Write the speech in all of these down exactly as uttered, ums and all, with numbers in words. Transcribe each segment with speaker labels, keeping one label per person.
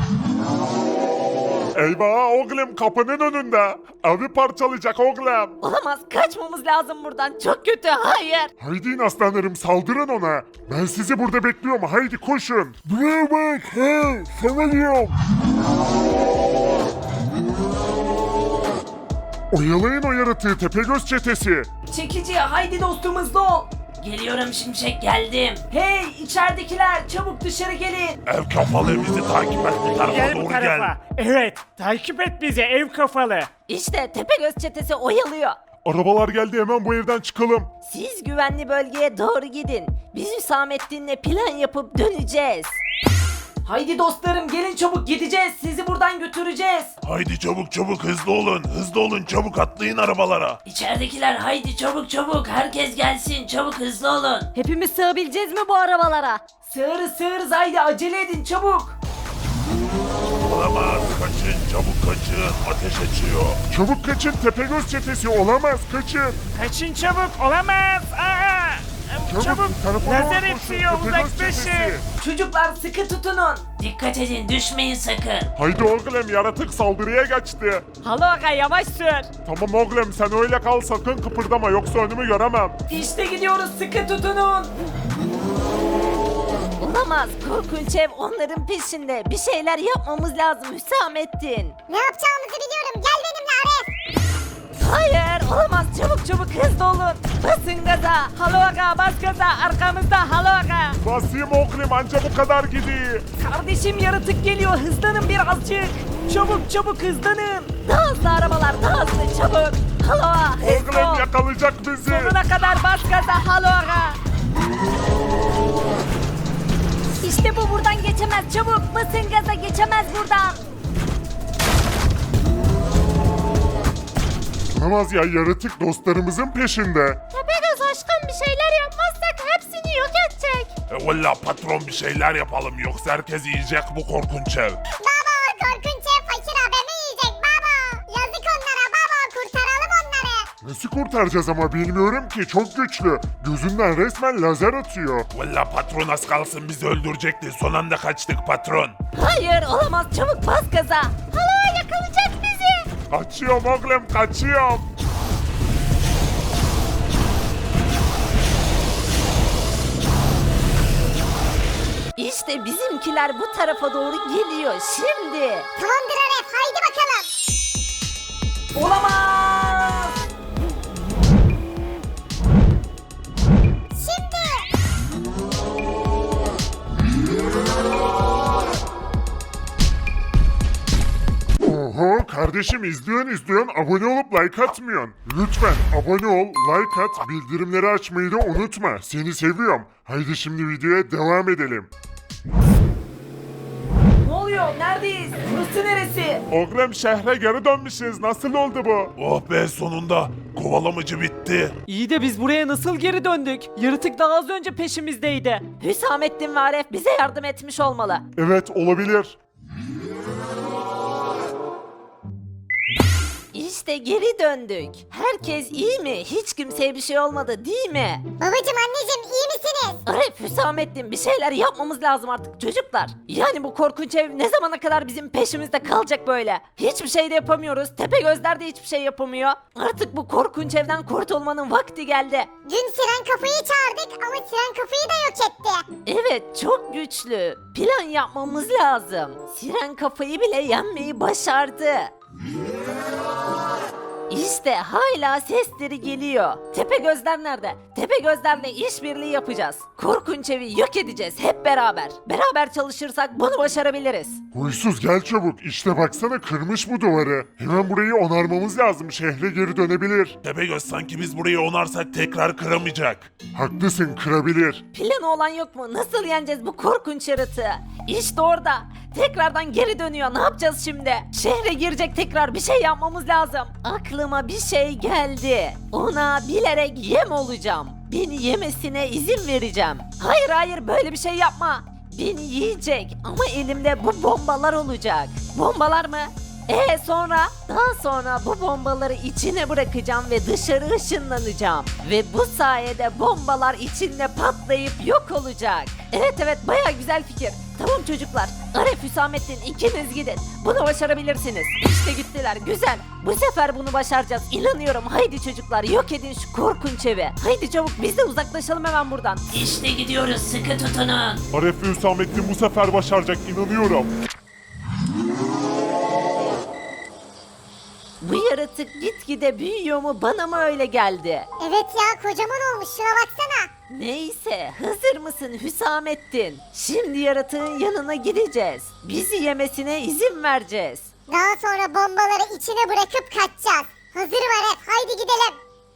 Speaker 1: Eyvah oğlum kapının önünde. Evi parçalayacak oğlum.
Speaker 2: Olamaz, kaçmamız lazım buradan. Çok kötü, hayır.
Speaker 1: Haydi aslanlarım saldırın ona. Ben sizi burada bekliyorum. Haydi koşun. Buraya bak. He, sana diyorum. Oyalayın o yaratığı Tepegöz çetesi.
Speaker 2: Çekici, haydi dostum, hızlı ol.
Speaker 3: Geliyorum Şimşek, geldim.
Speaker 2: Hey, içeridekiler, çabuk dışarı gelin.
Speaker 1: Ev kafalı bizi takip et. Bu tarafa
Speaker 4: Gel bu
Speaker 1: doğru
Speaker 4: tarafa.
Speaker 1: gel.
Speaker 4: Evet, takip et bizi ev kafalı.
Speaker 2: İşte Tepegöz çetesi oyalıyor.
Speaker 1: Arabalar geldi hemen bu evden çıkalım.
Speaker 2: Siz güvenli bölgeye doğru gidin. Biz Hüsamettin'le plan yapıp döneceğiz. Haydi dostlarım, gelin çabuk, gideceğiz. Sizi buradan götüreceğiz.
Speaker 1: Haydi çabuk çabuk hızlı olun. Hızlı olun çabuk atlayın arabalara.
Speaker 3: İçeridekiler haydi çabuk çabuk, herkes gelsin, çabuk hızlı olun.
Speaker 2: Hepimiz sığabileceğiz mi bu arabalara? Sığırız sığırız, haydi acele edin çabuk.
Speaker 1: Olamaz kaçın çabuk kaçın. Ateş açıyor. Çabuk kaçın Tepegöz çetesi olamaz kaçın.
Speaker 4: Kaçın çabuk, olamaz. Aa!
Speaker 1: Çabuk,
Speaker 4: Çabuk,
Speaker 1: tarafa doğru
Speaker 4: lazer
Speaker 1: koşun,
Speaker 4: eksiyor,
Speaker 1: Tepegöz
Speaker 4: uzaklaşın.
Speaker 1: çetesi.
Speaker 2: Çocuklar sıkı tutunun.
Speaker 3: Dikkat edin, düşmeyin sakın.
Speaker 1: Haydi oğlum yaratık saldırıya geçti.
Speaker 4: Halo aga, yavaş sür.
Speaker 1: Tamam oğlum sen öyle kal sakın kıpırdama yoksa önümü göremem.
Speaker 2: İşte gidiyoruz, sıkı tutunun. Olamaz, korkunç ev onların peşinde. Bir şeyler yapmamız lazım Hüsamettin.
Speaker 5: Ne yapacağımızı biliyorum. Gel benimle Aref.
Speaker 2: Hayır, olamaz, çabuk çabuk hızlı olun. Basın gaza, halo aga, bas gaza, arkamızda halo aga.
Speaker 1: Basayım oğlum anca bu kadar gidiyor.
Speaker 2: Kardeşim yaratık geliyor, hızlanın birazcık. Çabuk çabuk hızlanın. Daha hızlı arabalar, daha hızlı, çabuk. Halo aga, hızlı
Speaker 1: Oğlum
Speaker 2: ol.
Speaker 1: yakalayacak bizi.
Speaker 2: Sonuna kadar bas gaza, halo aga. İşte bu, buradan geçemez, çabuk basın gaza, geçemez buradan.
Speaker 1: Olamaz ya yaratık dostlarımızın peşinde.
Speaker 5: Tepegöz aşkım, bir şeyler yapmazsak hepsini yok edecek.
Speaker 1: E valla patron bir şeyler yapalım yoksa herkes yiyecek bu korkunç ev.
Speaker 5: Baba, korkunç ev fakir abimi yiyecek baba. Yazık onlara baba, kurtaralım onları.
Speaker 1: Nasıl kurtaracağız ama bilmiyorum ki çok güçlü. Gözünden resmen lazer atıyor. Valla patron az kalsın bizi öldürecekti. Son anda kaçtık patron.
Speaker 2: Hayır, olamaz, çabuk bas gaza.
Speaker 5: Hala yakalayacak bizi.
Speaker 1: Kaçıyorum oğlum kaçıyorum.
Speaker 2: İşte bizimkiler bu tarafa doğru geliyor şimdi.
Speaker 5: Tamamdır Aref, haydi bakalım.
Speaker 2: Olamaz.
Speaker 5: Şimdi.
Speaker 1: Oho kardeşim izliyorsun izliyorsun abone olup like atmıyorsun. Lütfen abone ol, like at, bildirimleri açmayı da unutma. Seni seviyorum. Haydi şimdi videoya devam edelim.
Speaker 2: Ne oluyor? Neredeyiz? Burası neresi?
Speaker 1: Oğlum şehre geri dönmüşüz. Nasıl oldu bu? Oh be sonunda. Kovalamacı bitti.
Speaker 6: İyi de biz buraya nasıl geri döndük? Yaratık daha az önce peşimizdeydi.
Speaker 2: Hüsamettin ve Aref bize yardım etmiş olmalı.
Speaker 1: Evet olabilir.
Speaker 2: İşte geri döndük. Herkes iyi mi? Hiç kimseye bir şey olmadı değil mi?
Speaker 5: Babacım, anneciğim, iyi misiniz?
Speaker 2: Aref, Hüsamettin bir şeyler yapmamız lazım artık çocuklar. Yani bu korkunç ev ne zamana kadar bizim peşimizde kalacak böyle? Hiçbir şey de yapamıyoruz. Tepegözler de hiçbir şey yapamıyor. Artık bu korkunç evden kurtulmanın vakti geldi.
Speaker 5: Dün Siren Kafayı çağırdık ama Siren Kafayı da yok etti.
Speaker 2: Evet, çok güçlü. Plan yapmamız lazım. Siren kafayı bile yenmeyi başardı. İşte hala sesleri geliyor. Tepegözler nerede? Tepegözlerle işbirliği yapacağız. Korkunç evi yok edeceğiz hep beraber. Beraber çalışırsak bunu başarabiliriz.
Speaker 1: Huysuz gel çabuk. İşte baksana kırmış bu duvarı. Hemen burayı onarmamız lazım. Şehre geri dönebilir. Tepegöz sanki biz burayı onarsak tekrar kıramayacak. Haklısın kırabilir.
Speaker 2: Planı olan yok mu? Nasıl yeneceğiz bu korkunç yaratığı? İşte orada. Tekrardan geri dönüyor. Ne yapacağız şimdi? Şehre girecek tekrar. Bir şey yapmamız lazım. Aklıma bir şey geldi. Ona bilerek yem olacağım. Beni yemesine izin vereceğim. Hayır hayır, böyle bir şey yapma. Beni yiyecek ama elimde bu bombalar olacak. Bombalar mı? Ee sonra? Daha sonra bu bombaları içine bırakacağım ve dışarı ışınlanacağım. Ve bu sayede bombalar içinde patlayıp yok olacak. Evet evet baya güzel fikir. Tamam çocuklar. Arif, Hüsamettin ikiniz gidin. Bunu başarabilirsiniz. İşte gittiler. Güzel. Bu sefer bunu başaracağız. İnanıyorum. Haydi çocuklar yok edin şu korkunç evi. Haydi çabuk biz de uzaklaşalım hemen buradan.
Speaker 3: İşte gidiyoruz, sıkı tutunun.
Speaker 1: Aref ve Hüsamettin bu sefer başaracak inanıyorum.
Speaker 2: Bu yaratık gitgide büyüyor mu bana mı öyle geldi?
Speaker 5: Evet ya kocaman olmuş şuna baksana.
Speaker 2: Neyse hazır mısın Hüsamettin? Şimdi yaratığın yanına gideceğiz. Bizi yemesine izin vereceğiz.
Speaker 5: Daha sonra bombaları içine bırakıp kaçacağız. Hazırım Aref haydi gidelim.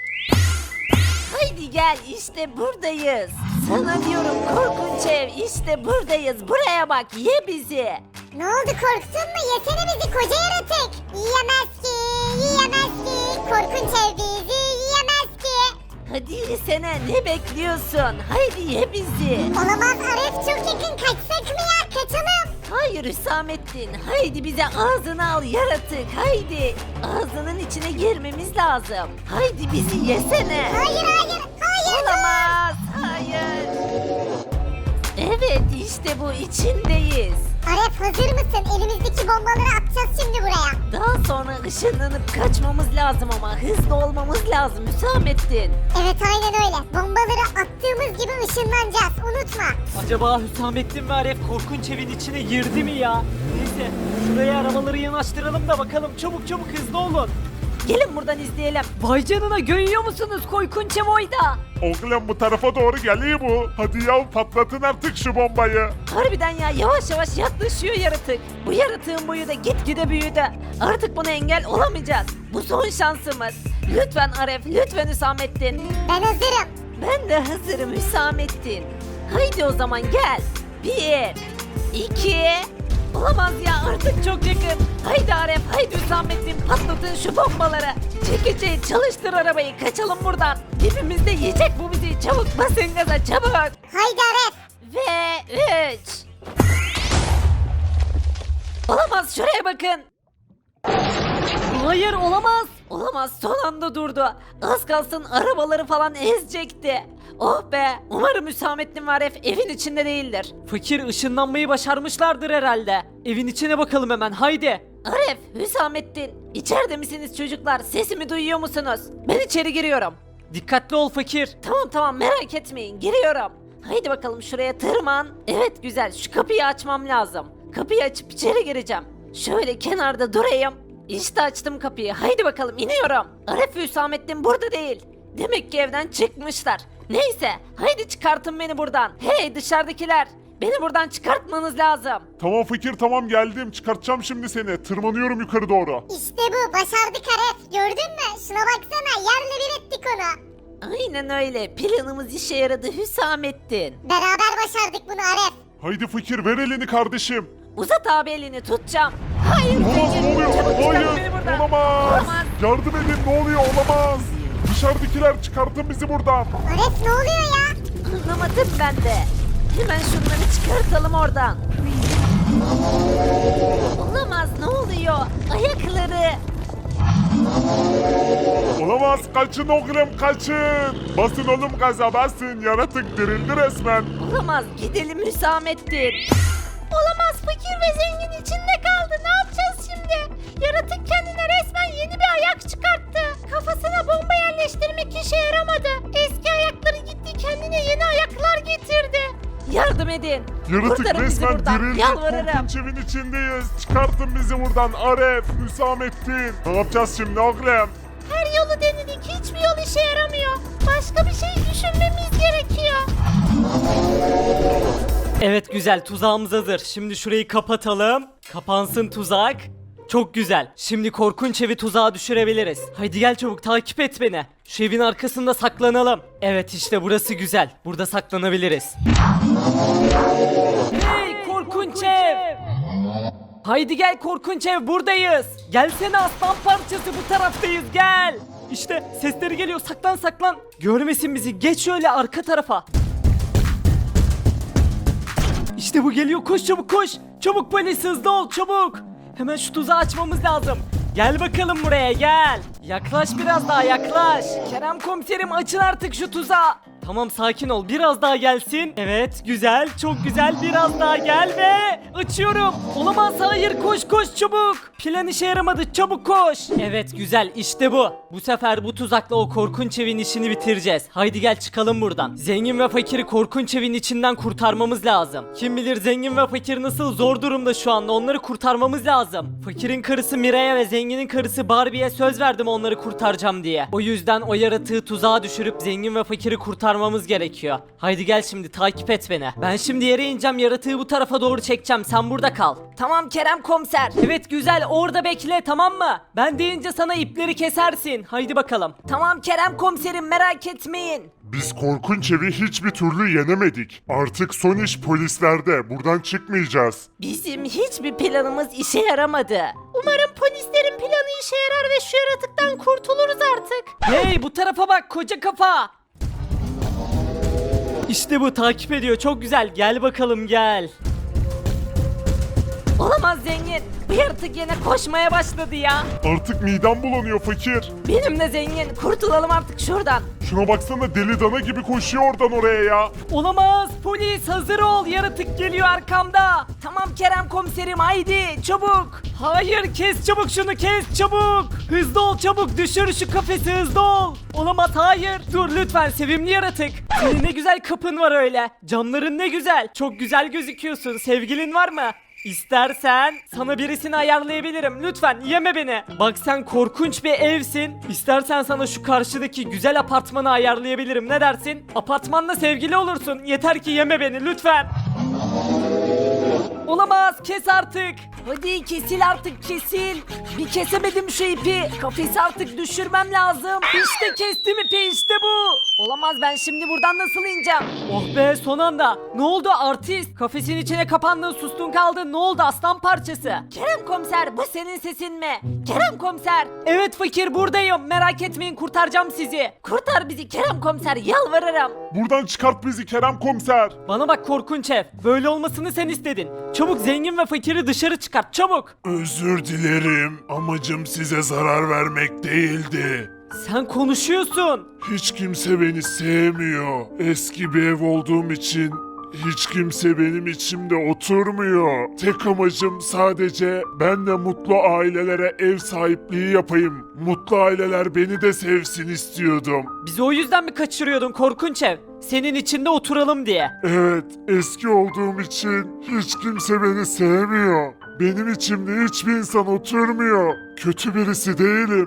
Speaker 2: Haydi gel işte buradayız. Sana diyorum korkunç ev işte buradayız. Buraya bak ye bizi.
Speaker 5: Ne oldu korktun mu? Yesene bizi koca yaratık. Yiyemez ki, yiyemez ki. Korkunç ev bizi yiyemez ki.
Speaker 2: Hadi yesene ne bekliyorsun? Haydi ye bizi.
Speaker 5: Olamaz Aref çok yakın kaçsak mı ya kaçalım.
Speaker 2: Hayır Hüsamettin. Haydi bize ağzını al yaratık. Haydi. Ağzının içine girmemiz lazım. Haydi bizi yesene.
Speaker 5: Hayır hayır hayır.
Speaker 2: Olamaz. Hayır. Evet işte bu içindeyiz.
Speaker 5: Aref hazır mısın? Elimizdeki bombaları atacağız şimdi buraya.
Speaker 2: Daha sonra ışınlanıp kaçmamız lazım ama hızlı olmamız lazım Hüsamettin.
Speaker 5: Evet aynen öyle. Bombaları attığımız gibi ışınlanacağız. Unutma.
Speaker 6: Acaba Hüsamettin ve Aref korkunç evin içine girdi mi ya? Neyse şuraya arabaları yanaştıralım da bakalım, çabuk çabuk hızlı olun.
Speaker 2: Gelin buradan izleyelim.
Speaker 6: Vay canına, görüyor musunuz korkunç ev oyda?
Speaker 1: Oğlum bu tarafa doğru geliyor bu. Hadi ya patlatın artık şu bombayı.
Speaker 2: Harbiden ya yavaş yavaş yaklaşıyor yaratık. Bu yaratığın boyu da gitgide büyüdü. Artık buna engel olamayacağız. Bu son şansımız. Lütfen Aref, lütfen Hüsamettin.
Speaker 5: Ben hazırım.
Speaker 2: Ben de hazırım Hüsamettin. Haydi o zaman gel. Bir, iki... Olamaz ya artık çok yakın. Haydi Aref, haydi Hüsamettin patlatın şu bombaları. Çekici çalıştır arabayı kaçalım buradan. Dibimizde yiyecek bu bizi. Çabuk basın gaza çabuk.
Speaker 5: Haydi Aref.
Speaker 2: Ve üç. Olamaz şuraya bakın.
Speaker 6: Hayır, olamaz.
Speaker 2: Olamaz son anda durdu. Az kalsın arabaları falan ezecekti. Oh be umarım Hüsamettin ve Aref evin içinde değildir.
Speaker 6: Fakir, ışınlanmayı başarmışlardır herhalde. Evin içine bakalım hemen, haydi.
Speaker 2: Aref, Hüsamettin içeride misiniz çocuklar sesimi duyuyor musunuz? Ben içeri giriyorum.
Speaker 6: Dikkatli ol fakir.
Speaker 2: Tamam tamam merak etmeyin giriyorum. Haydi bakalım şuraya tırman. Evet güzel şu kapıyı açmam lazım. Kapıyı açıp içeri gireceğim. Şöyle kenarda durayım. İşte açtım kapıyı. Haydi bakalım iniyorum. Aref ve Hüsamettin burada değil. Demek ki evden çıkmışlar. Neyse haydi çıkartın beni buradan. Hey dışarıdakiler. Beni buradan çıkartmanız lazım.
Speaker 1: Tamam fakir tamam geldim çıkartacağım şimdi seni. Tırmanıyorum yukarı doğru.
Speaker 5: İşte bu başardık Aref. Gördün mü? Şuna baksana yerle bir ettik onu.
Speaker 2: Aynen öyle. Planımız işe yaradı Hüsamettin.
Speaker 5: Beraber başardık bunu Aref.
Speaker 1: Haydi fakir ver elini kardeşim.
Speaker 2: Uzat abi elini tutacağım. Hayır
Speaker 1: Olamaz
Speaker 2: Zengin,
Speaker 1: ne oluyor?
Speaker 2: çabuk çıkart
Speaker 1: Hayır
Speaker 2: beni buradan.
Speaker 1: olamaz.
Speaker 2: Olamaz.
Speaker 1: Yardım edin ne oluyor olamaz. Dışarıdakiler çıkartın bizi buradan.
Speaker 5: Aref ne oluyor ya?
Speaker 2: Anlamadım ben de. Hemen şunları çıkartalım oradan. Olamaz ne oluyor? Ayakları.
Speaker 1: Olamaz kaçın oğlum kaçın. Basın oğlum gaza basın yaratık dirildi resmen.
Speaker 2: Olamaz gidelim Hüsamettin. Olamaz fakir ve zengin içinde kaldı. Ne yapacağız şimdi? Yaratık kendine resmen yeni bir ayak çıkarttı. Kafasına bomba yerleştirmek işe yaramadı. Eski ayakları gitti kendine yeni ayaklar getirdi. Yardım edin.
Speaker 1: Yaratık
Speaker 2: Kurtarın bizi
Speaker 1: resmen
Speaker 2: buradan.
Speaker 1: dirildi.
Speaker 2: Yalvarırım.
Speaker 1: Korkunç evin içindeyiz. Çıkartın bizi buradan Aref, Hüsamettin. Ne yapacağız şimdi oğlum?
Speaker 2: Her yolu denedik. Hiçbir yol işe yaramıyor. Başka bir şey düşünmemiz gerekiyor.
Speaker 6: Evet güzel, tuzağımız hazır. Şimdi şurayı kapatalım. Kapansın tuzak. Çok güzel. Şimdi korkunç evi tuzağa düşürebiliriz. Haydi gel çabuk, takip et beni. Şu evin arkasında saklanalım. Evet işte burası güzel. Burada saklanabiliriz. Hey korkunç ev! Haydi gel korkunç ev, buradayız. Gelsene aslan parçası, bu taraftayız, gel. İşte sesleri geliyor, saklan saklan. Görmesin bizi, geç şöyle arka tarafa. İşte bu geliyor, koş çabuk koş. Çabuk polis, hızlı ol çabuk. Hemen şu tuzağı açmamız lazım. Gel bakalım buraya gel. Yaklaş biraz daha yaklaş. Kerem komiserim açın artık şu tuzağı. Tamam sakin ol biraz daha gelsin. Evet güzel çok güzel biraz daha gel ve açıyorum. Olamaz hayır koş koş çabuk. Plan işe yaramadı çabuk koş. Evet güzel işte bu. Bu sefer bu tuzakla o korkunç evin işini bitireceğiz. Haydi gel çıkalım buradan. Zengin ve fakiri korkunç evin içinden kurtarmamız lazım. Kim bilir zengin ve fakir nasıl zor durumda şu anda onları kurtarmamız lazım. Fakirin karısı Miray'a ve zenginin karısı Barbie'ye söz verdim onları kurtaracağım diye. O yüzden o yaratığı tuzağa düşürüp zengin ve fakiri kurtarmamız gerekiyor. Haydi gel şimdi takip et beni. Ben şimdi yere ineceğim yaratığı bu tarafa doğru çekeceğim sen burada kal.
Speaker 2: Tamam Kerem komiser.
Speaker 6: Evet güzel orada bekle tamam mı? Ben deyince sana ipleri kesersin. Haydi bakalım.
Speaker 2: Tamam Kerem komiserim merak etmeyin.
Speaker 1: Biz korkunç evi hiçbir türlü yenemedik. Artık son iş polislerde. Buradan çıkmayacağız.
Speaker 2: Bizim hiçbir planımız işe yaramadı. Umarım polislerin planı işe yarar ve şu yaratıktan kurtuluruz artık.
Speaker 6: Hey bu tarafa bak koca kafa. İşte bu takip ediyor çok güzel gel bakalım gel.
Speaker 2: Olamaz zengin. Bu yaratık yine koşmaya başladı ya.
Speaker 1: Artık midem bulanıyor fakir.
Speaker 2: Benim de zengin. Kurtulalım artık şuradan.
Speaker 1: Şuna baksana deli dana gibi koşuyor oradan oraya ya.
Speaker 6: Olamaz polis hazır ol yaratık geliyor arkamda.
Speaker 2: Tamam Kerem komiserim haydi çabuk.
Speaker 6: Hayır kes çabuk şunu kes çabuk. Hızlı ol çabuk düşür şu kafesi hızlı ol. Olamaz hayır. Dur lütfen sevimli yaratık. Senin ne güzel kapın var öyle. Camların ne güzel. Çok güzel gözüküyorsun. Sevgilin var mı? İstersen sana birisini ayarlayabilirim. Lütfen yeme beni. Bak sen korkunç bir evsin. İstersen sana şu karşıdaki güzel apartmanı ayarlayabilirim. Ne dersin? Apartmanla sevgili olursun. Yeter ki yeme beni lütfen. Olamaz kes artık.
Speaker 2: Hadi kesil artık kesil. Bir kesemedim şu ipi. Kafesi artık düşürmem lazım.
Speaker 6: İşte kestim ipi işte bu.
Speaker 2: Olamaz ben şimdi buradan nasıl ineceğim?
Speaker 6: Oh be son anda. Ne oldu artist? Kafesin içine kapandın sustun kaldın. Ne oldu aslan parçası?
Speaker 2: Kerem komiser bu senin sesin mi? Kerem komiser.
Speaker 6: Evet fakir buradayım. Merak etmeyin kurtaracağım sizi.
Speaker 2: Kurtar bizi Kerem komiser yalvarırım.
Speaker 1: Buradan çıkart bizi Kerem komiser.
Speaker 6: Bana bak korkunç ev. Böyle olmasını sen istedin. Çabuk zengin ve fakiri dışarı çıkart çabuk.
Speaker 1: Özür dilerim. Amacım size zarar vermek değildi.
Speaker 6: Sen konuşuyorsun.
Speaker 1: Hiç kimse beni sevmiyor. Eski bir ev olduğum için hiç kimse benim içimde oturmuyor. Tek amacım sadece ben de mutlu ailelere ev sahipliği yapayım. Mutlu aileler beni de sevsin istiyordum.
Speaker 6: Bizi o yüzden mi kaçırıyordun korkunç ev? Senin içinde oturalım diye.
Speaker 1: Evet, eski olduğum için hiç kimse beni sevmiyor. Benim içimde hiçbir insan oturmuyor. Kötü birisi değilim.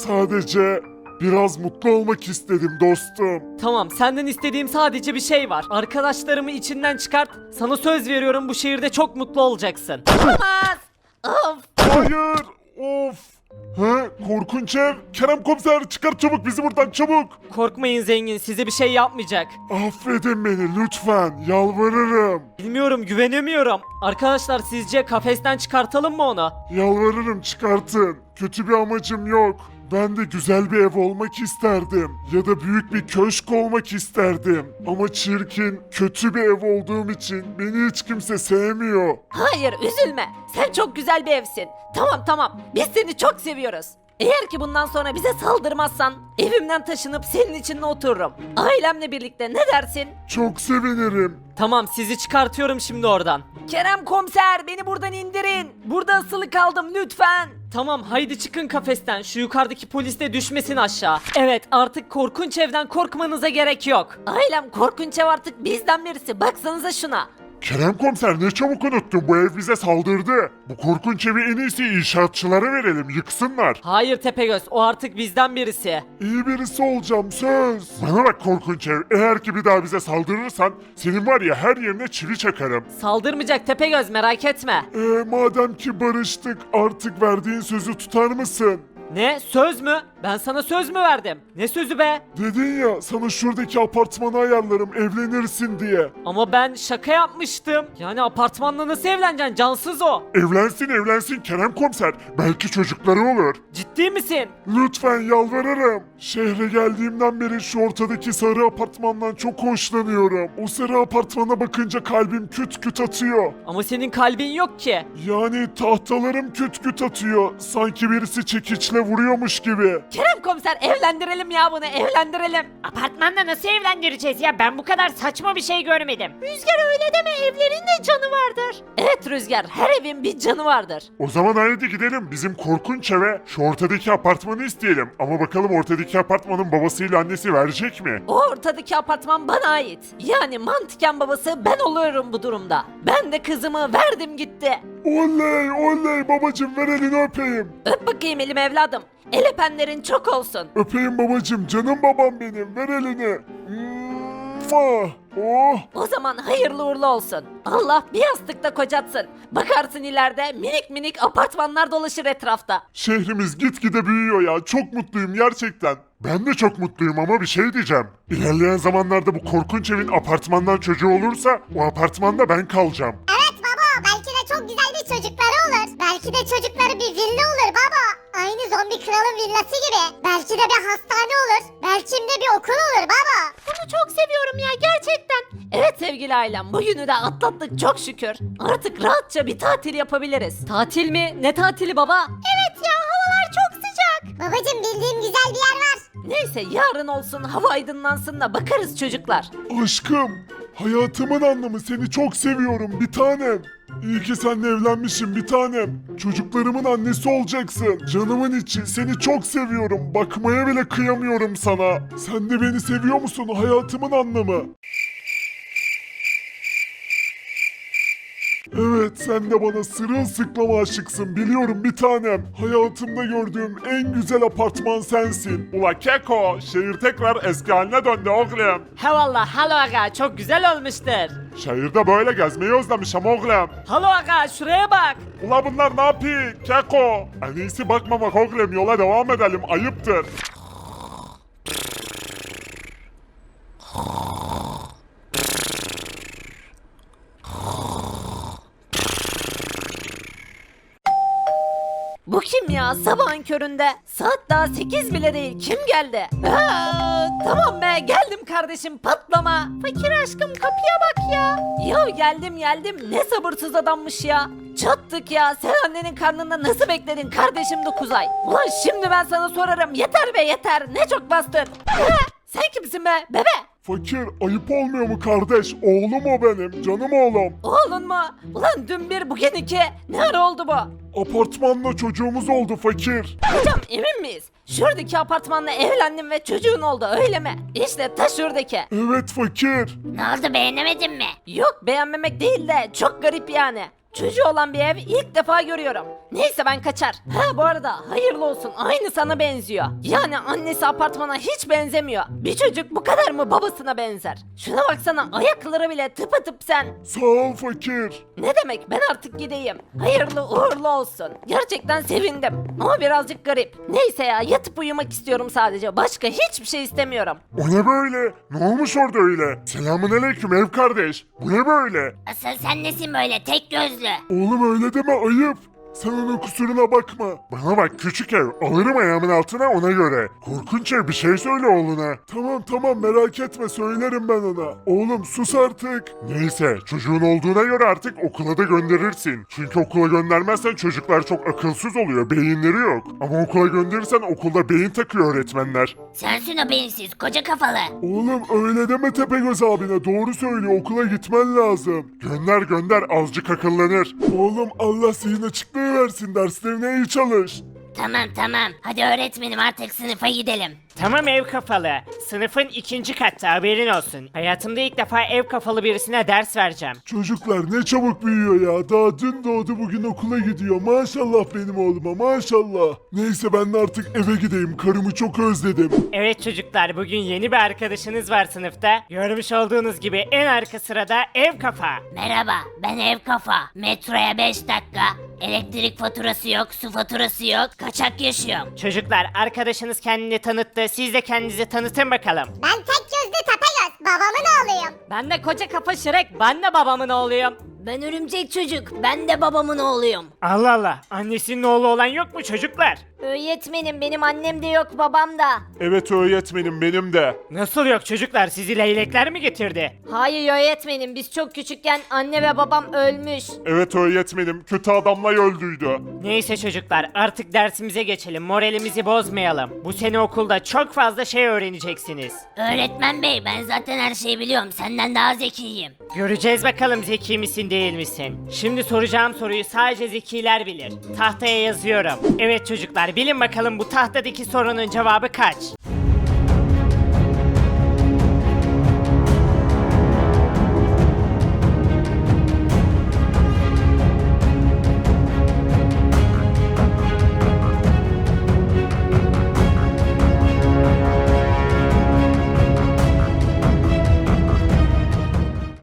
Speaker 1: Sadece biraz mutlu olmak istedim dostum.
Speaker 6: Tamam senden istediğim sadece bir şey var. Arkadaşlarımı içinden çıkart. Sana söz veriyorum bu şehirde çok mutlu olacaksın.
Speaker 2: Olamaz. Of.
Speaker 1: Hayır, of. He, korkunç ev. Kerem komiser çıkar çabuk bizi buradan çabuk.
Speaker 6: Korkmayın zengin size bir şey yapmayacak.
Speaker 1: Affedin beni lütfen, yalvarırım.
Speaker 6: Bilmiyorum güvenemiyorum. Arkadaşlar sizce kafesten çıkartalım mı onu?
Speaker 1: Yalvarırım çıkartın. Kötü bir amacım yok. Ben de güzel bir ev olmak isterdim. Ya da büyük bir köşk olmak isterdim. Ama çirkin, kötü bir ev olduğum için beni hiç kimse sevmiyor.
Speaker 2: Hayır üzülme. Sen çok güzel bir evsin. Tamam tamam. Biz seni çok seviyoruz. Eğer ki bundan sonra bize saldırmazsan evimden taşınıp senin içinde otururum. Ailemle birlikte ne dersin?
Speaker 1: Çok sevinirim.
Speaker 6: Tamam sizi çıkartıyorum şimdi oradan.
Speaker 2: Kerem komiser beni buradan indirin. Burada asılı kaldım lütfen.
Speaker 6: Tamam haydi çıkın kafesten şu yukarıdaki polis de düşmesin aşağı. Evet artık korkunç evden korkmanıza gerek yok.
Speaker 2: Ailem korkunç ev artık bizden birisi. Baksanıza şuna.
Speaker 1: Kerem komiser ne çabuk unuttun, bu ev bize saldırdı. Bu korkunç evi en iyisi inşaatçılara verelim, yıksınlar.
Speaker 6: Hayır Tepegöz o artık bizden birisi.
Speaker 1: İyi birisi olacağım söz. Bana bak korkunç ev, eğer ki bir daha bize saldırırsan senin var ya her yerine çivi çakarım.
Speaker 6: Saldırmayacak Tepegöz merak etme.
Speaker 1: Eee madem ki barıştık artık verdiğin sözü tutar mısın?
Speaker 6: Ne söz mü? Ben sana söz mü verdim? Ne sözü be?
Speaker 1: Dedin ya sana şuradaki apartmanı ayarlarım evlenirsin diye.
Speaker 6: Ama ben şaka yapmıştım. Yani apartmanla nasıl evleneceksin? Cansız o.
Speaker 1: Evlensin evlensin Kerem komiser. Belki çocukları olur.
Speaker 6: Ciddi misin?
Speaker 1: Lütfen yalvarırım. Şehre geldiğimden beri şu ortadaki sarı apartmandan çok hoşlanıyorum. O sarı apartmana bakınca kalbim küt küt atıyor.
Speaker 6: Ama senin kalbin yok ki.
Speaker 1: Yani tahtalarım küt küt atıyor. Sanki birisi çekiçle vuruyormuş gibi.
Speaker 2: Kerem komiser evlendirelim ya bunu evlendirelim.
Speaker 4: Apartmanda nasıl evlendireceğiz ya? Ben bu kadar saçma bir şey görmedim.
Speaker 2: Rüzgar öyle deme evlerin de canı vardır. Evet Rüzgar her evin bir canı vardır.
Speaker 1: O zaman haydi gidelim bizim korkunç eve şu ortadaki apartmanı isteyelim. Ama bakalım ortadaki apartmanın babasıyla annesi verecek mi?
Speaker 2: O ortadaki apartman bana ait. Yani mantıken babası ben oluyorum bu durumda. Ben de kızımı verdim gitti.
Speaker 1: Oley oley babacım ver elini öpeyim.
Speaker 2: Öp bakayım elim evladım. El öpenlerin çok olsun.
Speaker 1: Öpeyim babacım canım babam benim ver elini. Mua! Oh!
Speaker 2: O zaman hayırlı uğurlu olsun. Allah bir yastıkta kocatsın. Bakarsın ileride minik minik apartmanlar dolaşır etrafta.
Speaker 1: Şehrimiz gitgide büyüyor ya. Çok mutluyum gerçekten. Ben de çok mutluyum ama bir şey diyeceğim. İlerleyen zamanlarda bu korkunç evin apartmandan çocuğu olursa o apartmanda ben kalacağım.
Speaker 5: Evet baba belki de çok güzel bir çocukları olur. Belki de çocukları bir villa olur baba. Aynı zombi kralın villası gibi. Belki de bir hastane olur. Belki de bir okul olur baba.
Speaker 2: Bunu çok seviyorum ya gerçekten. Evet sevgili ailem bugünü de atlattık çok şükür. Artık rahatça bir tatil yapabiliriz.
Speaker 6: Tatil mi? Ne tatili baba?
Speaker 5: Evet ya havalar çok sıcak. Babacım bildiğim güzel bir yer var.
Speaker 2: Neyse yarın olsun hava aydınlansın da bakarız çocuklar.
Speaker 1: Aşkım, hayatımın anlamı seni çok seviyorum bir tanem. İyi ki seninle evlenmişim bir tanem. Çocuklarımın annesi olacaksın. Canımın içi seni çok seviyorum. Bakmaya bile kıyamıyorum sana. Sen de beni seviyor musun hayatımın anlamı? Evet sen de bana sırılsıklam aşıksın biliyorum bir tanem. Hayatımda gördüğüm en güzel apartman sensin. Ula Keko şehir tekrar eski haline döndü oğlum.
Speaker 6: He valla halo aga çok güzel olmuştur.
Speaker 1: Şehirde böyle gezmeyi özlemişim oğlum.
Speaker 6: Halo aga şuraya bak.
Speaker 1: Ula bunlar ne yapıyor Keko? En iyisi bakmamak oğlum yola devam edelim ayıptır.
Speaker 2: Bu kim ya sabahın köründe? Saat daha sekiz bile değil kim geldi? Aa, tamam be geldim kardeşim patlama. Fakir aşkım kapıya bak ya. Ya geldim geldim ne sabırsız adammış ya. Çattık ya sen annenin karnında nasıl bekledin kardeşim dokuz ay? Ulan şimdi ben sana sorarım yeter be yeter ne çok bastın. Ha, sen kimsin be bebe?
Speaker 1: Fakir ayıp olmuyor mu kardeş? Oğlum o benim canım oğlum.
Speaker 2: Oğlun mu? Ulan dün bir bugün iki. Ne ara oldu bu?
Speaker 1: Apartmanla çocuğumuz oldu fakir.
Speaker 2: Hocam emin miyiz? Şuradaki apartmanla evlendim ve çocuğun oldu öyle mi? İşte ta şuradaki.
Speaker 1: Evet fakir.
Speaker 3: Ne oldu beğenemedin mi?
Speaker 2: Yok beğenmemek değil de çok garip yani. Çocuğu olan bir ev ilk defa görüyorum. Neyse ben kaçar. Ha bu arada hayırlı olsun aynı sana benziyor. Yani annesi apartmana hiç benzemiyor. Bir çocuk bu kadar mı babasına benzer? Şuna baksana ayakları bile tıpatıp sen.
Speaker 1: Sağ ol fakir.
Speaker 2: Ne demek ben artık gideyim. Hayırlı uğurlu olsun. Gerçekten sevindim. Ama birazcık garip. Neyse ya yatıp uyumak istiyorum sadece. Başka hiçbir şey istemiyorum.
Speaker 1: O ne böyle? Ne olmuş orada öyle? Selamun aleyküm ev kardeş. Bu ne böyle?
Speaker 3: Asıl sen nesin böyle tek gözlü?
Speaker 1: Oğlum öyle deme ayıp. Sen onun kusuruna bakma. Bana bak küçük ev. Alırım ayağımın altına ona göre. Korkunç ev bir şey söyle oğluna. Tamam tamam merak etme söylerim ben ona. Oğlum sus artık. Neyse çocuğun olduğuna göre artık okula da gönderirsin. Çünkü okula göndermezsen çocuklar çok akılsız oluyor. Beyinleri yok. Ama okula gönderirsen okulda beyin takıyor öğretmenler.
Speaker 3: Sensin o beyinsiz koca kafalı.
Speaker 1: Oğlum öyle deme Tepegöz abine doğru söylüyor okula gitmen lazım. Gönder gönder azıcık akıllanır. Oğlum Allah zihin açıklığı versin derslerine iyi çalış.
Speaker 3: Tamam tamam hadi öğretmenim artık sınıfa gidelim.
Speaker 4: Tamam ev kafalı. sınıfın ikinci katta, haberin olsun. Hayatımda ilk defa ev kafalı birisine ders vereceğim.
Speaker 1: Çocuklar ne çabuk büyüyor ya. Daha dün doğdu bugün okula gidiyor. Maşallah benim oğluma maşallah. Neyse ben de artık eve gideyim. Karımı çok özledim.
Speaker 4: Evet çocuklar, bugün yeni bir arkadaşınız var sınıfta. Görmüş olduğunuz gibi en arka sırada ev kafa.
Speaker 3: Merhaba, ben ev kafa. Metroya beş dakika. Elektrik faturası yok, su faturası yok. Kaçak yaşıyorum.
Speaker 4: Çocuklar, arkadaşınız kendini tanıttı. Siz de kendinizi tanıtın bakalım.
Speaker 5: Ben tek gözlü Tepegöz. Babamın oğluyum.
Speaker 2: Ben de koca kafa Şirek. Ben de babamın oğluyum.
Speaker 3: Ben örümcek çocuk. Ben de babamın oğluyum.
Speaker 4: Allah Allah, annesinin oğlu olan yok mu çocuklar?
Speaker 2: Öğretmenim benim annem de yok babam da.
Speaker 1: Evet öğretmenim benim de.
Speaker 4: Nasıl yok çocuklar, sizi leylekler mi getirdi?
Speaker 2: Hayır öğretmenim biz çok küçükken anne ve babam ölmüş.
Speaker 1: Evet öğretmenim kötü adamla öldüydü.
Speaker 4: Neyse çocuklar, artık dersimize geçelim, moralimizi bozmayalım. Bu sene okulda çok fazla şey öğreneceksiniz.
Speaker 3: Öğretmen bey, ben zaten her şeyi biliyorum. Senden daha zekiyim.
Speaker 4: Göreceğiz bakalım zeki misin değil misin? Şimdi soracağım soruyu sadece zekiler bilir. Tahtaya yazıyorum. Evet çocuklar, bilin bakalım bu tahtadaki sorunun cevabı kaç?